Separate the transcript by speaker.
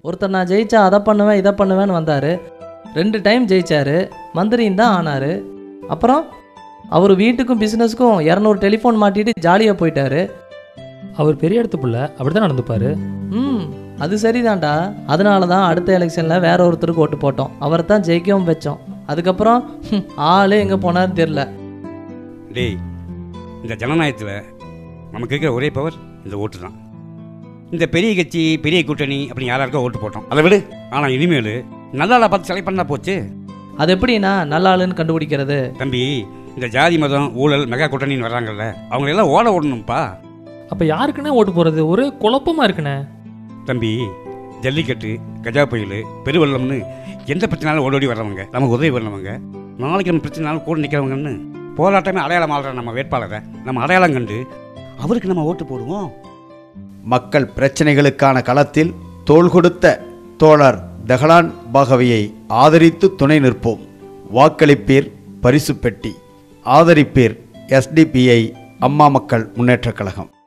Speaker 1: ஒருத்தர் நான் ஜெயிச்சா அதை பண்ணுவேன் இதை பண்ணுவேன்னு வந்தார். 2 டைம் ஜெயிச்சார், மந்திரியும் தான் ஆனார். அப்புறம் அவர் வீட்டுக்கும் பிஸ்னஸுக்கும் 200 டெலிஃபோன் மாட்டிட்டு ஜாலியாக போயிட்டாரு.
Speaker 2: அவர் பெரிய இடத்து பிள்ளை, அப்படி தான் நடந்துப்பார்.
Speaker 1: அது சரிதான்டா. அதனால தான் அடுத்த எலெக்ஷனில் வேற ஒருத்தருக்கு ஓட்டு போட்டோம். அவரை தான் ஜெயிக்கவும் வச்சோம். அதுக்கப்புறம் ஆளே எங்கே போனார்னு தெரில.
Speaker 3: டேய், இந்த ஜனநாயகத்தில் நமக்கு இருக்கிற ஒரே பவர் இந்த ஓட்டு தான். இந்த பெரிய கட்சி பெரிய கூட்டணி அப்படி யாராருக்கோ ஓட்டு போட்டோம், அதை விடு. ஆனால் இனிமேல் நல்லா பார்த்து செலக்ட் பண்ணா போச்சு.
Speaker 1: அது எப்படின்னா நல்ல ஆளுன்னு கண்டுபிடிக்கிறது?
Speaker 3: தம்பி, இந்த ஜாதி மதம் ஊழல் மெகா கூட்டணின்னு வர்றாங்கல்ல, அவங்களெல்லாம் ஓட ஓடணும்ப்பா.
Speaker 2: அப்போ யாருக்குன்னே ஓட்டு போகிறது? ஒரே குழப்பமாக இருக்குண்ணே.
Speaker 3: தம்பி, ஜல்லிக்கட்டு, கஜா புயல், பெருவெள்ளம்னு எந்த பிரச்சனாலும் ஓடோடி வர்றவங்க, நமக்கு உதவி பண்ணவங்க, நாளைக்கு நம்ம பிரச்சனாலும் கூட நிற்கிறவங்கன்னு போராட்டமே அடையாளம் ஆடுற நம்ம வேட்பாளரை நம்ம அடையாளம் கண்டு அவருக்கு நம்ம ஓட்டு போடுவோம்.
Speaker 4: மக்கள் பிரச்சனைகளுக்கான களத்தில் தோள் கொடுத்த தோழர் தஹலான் பாகவியை ஆதரித்து துணை நிற்போம். வாக்களிப்பீர் பரிசு பெட்டி. ஆதரிப்பீர் SDPI அம்மா மக்கள் முன்னேற்றக் கழகம்.